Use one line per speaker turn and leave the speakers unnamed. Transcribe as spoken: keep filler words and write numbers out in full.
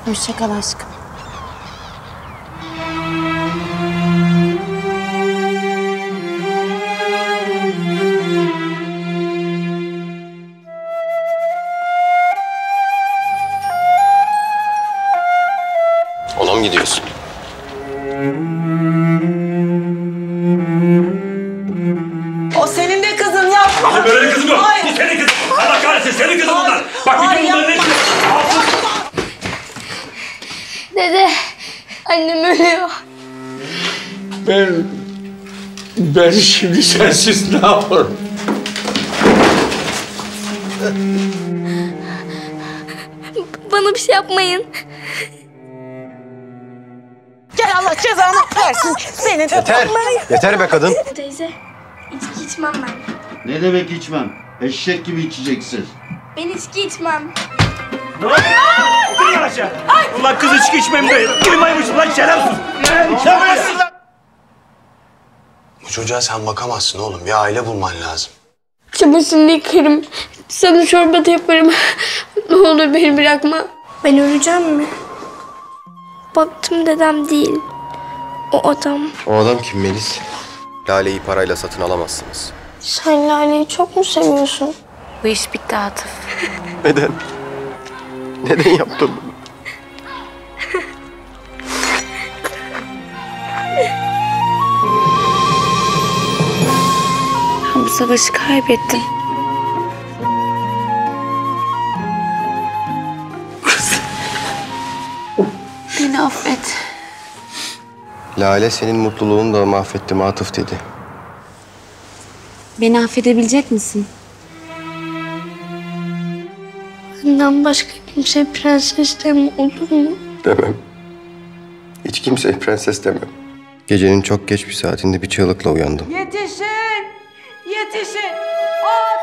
Hoşça kal aşkım.
Ona mı gidiyorsun?
O senin de kızın yapma.
Benim böyle bir kızım yok.
Hayır.
Bu senin kızın. Allah kahretsin senin kızın bunlar. Bak bütün bunların ne?
Dede, annem ölüyor.
Ben... Ben şimdi sensiz ne yaparım?
Bana bir şey yapmayın.
Gel Allah cezanı versin. Senin
Yeter. Yeter be kadın.
Teyze, içki içmem ben.
Ne demek içmem? Eşek gibi içeceksin.
Ben içki içmem.
Gel aşağı. Ulan kız içki içmem değil. Uyumaymış ulan şerefsiz. İçemezsin lan.
Bu çocuğa sen bakamazsın oğlum. Bir aile bulman lazım.
Çamaşırını yıkarım. Sana çorba da yaparım. Ne olur beni bırakma. Ben öleceğim mi? Baktım dedem değil. O adam.
O adam kim Melis? Lale'yi parayla satın alamazsınız.
Sen Lale'yi çok mu seviyorsun? Bu iş bitti Atıf.
Neden? Neden yaptın bunu?
Ben bu savaşı kaybettim. Beni affet.
Lale senin mutluluğunu da mahvettim Atıf dedi.
Beni affedebilecek misin?
Benden başka kimse prenses deme olur mu?
Demem. Hiç kimseye prenses demem. Gecenin çok geç bir saatinde bir çığlıkla uyandım.
Yetişin! Yetişin! Ay!